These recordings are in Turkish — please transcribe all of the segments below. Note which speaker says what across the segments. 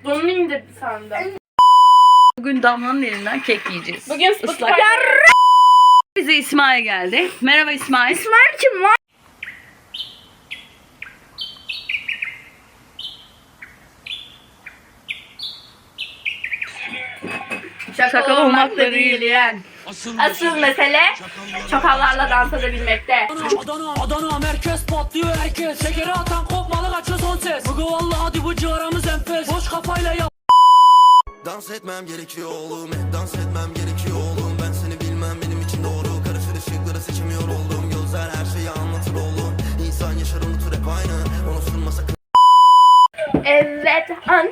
Speaker 1: Bunu indirdi sandım.
Speaker 2: Bugün Damla'nın elinden kek yiyeceğiz.
Speaker 1: Bugün
Speaker 2: Islak. Bize İsmail geldi. Merhaba İsmail.
Speaker 1: İsmail kim var?
Speaker 2: Şakalı olmak da değil
Speaker 1: yani. Asıl mesele çakallarla dans edebilmekte.
Speaker 3: Adana merkez patlıyor herkes. Şekeri atan kopmalı kaçıyor son ses. Bugü vallahi hadi bu ciğaramız enfes. Boş kafayla yap.
Speaker 4: Dans etmem gerekiyor oğlum, dans etmem gerekiyor oğlum. Ben seni bilmem, benim için doğru. Karışır ışıkları seçemiyor oldum. Gözler her şeyi anlatır oğlum. İnsan yaşar unutur hep aynı. Onu sunma sakın.
Speaker 1: Evet.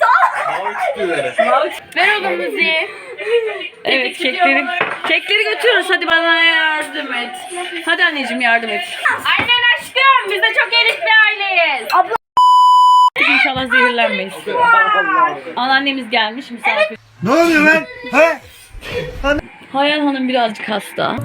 Speaker 1: Ver oğlum müziği.
Speaker 2: Evet kekleri götürüyoruz. Hadi bana yardım et. Hadi anneciğim yardım et.
Speaker 1: Aynen aşkım. Biz de çok elit bir aileyiz. Abla.
Speaker 2: İnşallah zehirlenmeyiz. Anneannemiz gelmiş misafir.
Speaker 5: Ne oluyor lan? He?
Speaker 2: Hayal Hanım birazcık hasta.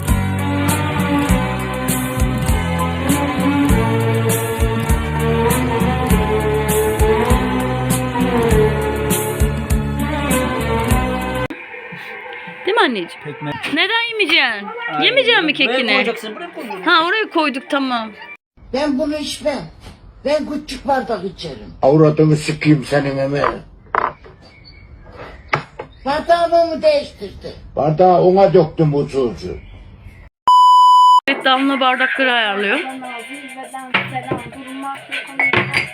Speaker 2: Değil mi anneciğim?
Speaker 5: Pekmez.
Speaker 2: Neden yemeyeceksin? Yemeyeceksin mi kekini?
Speaker 5: Buraya koyacaksın, buraya koyacaksın.
Speaker 2: Ha oraya koyduk tamam.
Speaker 6: Ben bunu içmem. Ben küçük bardak içerim.
Speaker 7: Avradını sikeyim senin emeği.
Speaker 6: Bardağımı değiştirdi.
Speaker 7: Bardağı ona döktüm usulcu.
Speaker 2: Evet Damla bardakları ayarlıyor.
Speaker 1: Zirveden selam. Durmak yok.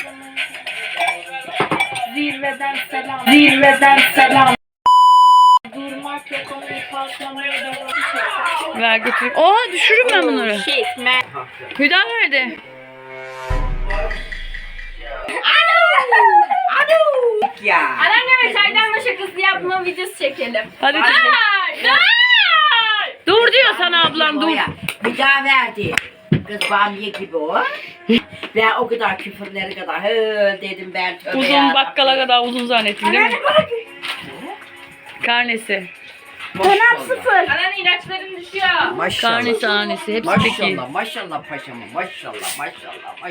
Speaker 1: Zirveden selam. Zirveden selam. Durmak yok. Onu patlamaya devam.
Speaker 2: Ver götür. Oha düşürürüm ben bunları.
Speaker 1: Shit man.
Speaker 2: Hüda nerede?
Speaker 1: Anneanneme çaydanla şakası yapma videosu çekelim.
Speaker 2: Hadi dur diyor sana ablam dur.
Speaker 8: Bir daha verdi. Kız bamiye gibi o. Ve o kadar küfürleri kadar dedim ben tövbe
Speaker 2: Uzun
Speaker 8: yarabbim.
Speaker 2: bakkala kadar uzun zannettin değil mi? Karnesi.
Speaker 1: Dönem sıfır. Anneanne ilaçların düşüyor.
Speaker 8: Maşallah.
Speaker 2: Karnesi hanesi hepsi peki.
Speaker 8: Maşallah maşallah paşama maşallah.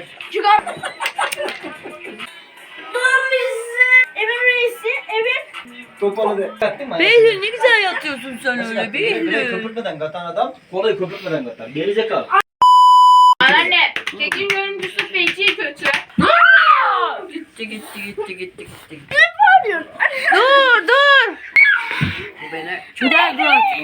Speaker 1: Evin reisi, evin.
Speaker 5: Topalı de. Yattın mı?
Speaker 2: Behlül ne güzel yatıyorsun sen öyle
Speaker 5: Behlül.
Speaker 2: Behlül.
Speaker 5: Köpürtmeden katan adam, kolayı köpürtmeden katar. Gerizekalı.
Speaker 1: Anneanne, kekin görüntüsü feci kötü.
Speaker 2: Gitti.
Speaker 1: Ne yapıyorsun?
Speaker 2: Dur.
Speaker 8: Bu beni. Şurada dur.